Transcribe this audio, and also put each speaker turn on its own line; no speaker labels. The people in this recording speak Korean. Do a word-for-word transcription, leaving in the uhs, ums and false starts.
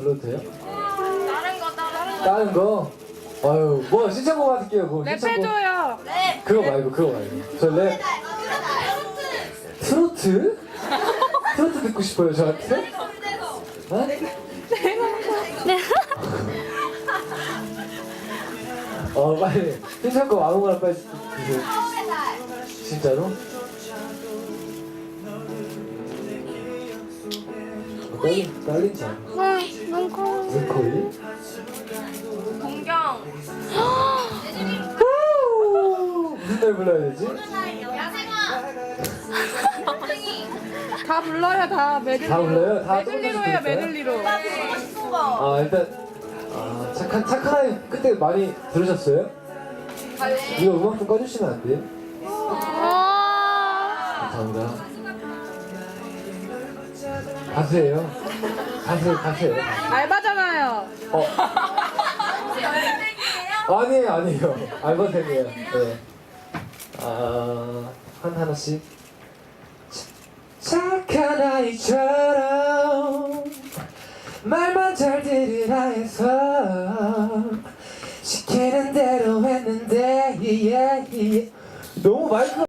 불러도 돼요?
다른 거 다른 거.
다른 거? 아유, 뭐 신청곡 받을게요. 뭐 신청곡.
랩해줘요.
네.
그거 말고 그거 말고. 저 랩. 트로트? 트로트 듣고 싶어요 저한테? 어? 어 빨리 신청곡 아무거나 빨리 주세요. 진짜로? 어, 떨린, 떨린지 않아?
응, 눈 커.
눈코리?
공경.
후! 무슨 노래 불러야 되지?
다 불러요 다 메들리로.
다 불러요? 다
메들리로 해요 메들리로.
아 일단 아 착한 착한 아이 그때 많이 들으셨어요? 이거 음악 좀 꺼주시면 안 돼요?
아.
감사합니다. 가수예요. 가수 가수예요.
알바잖아요.
어 아니에요 아니에요 알바생이에요. 네. 아한 하나씩. 착한 아이처럼 말만 잘 들으라 해서 시키는 대로 했는데 yeah, yeah. 너무 마이크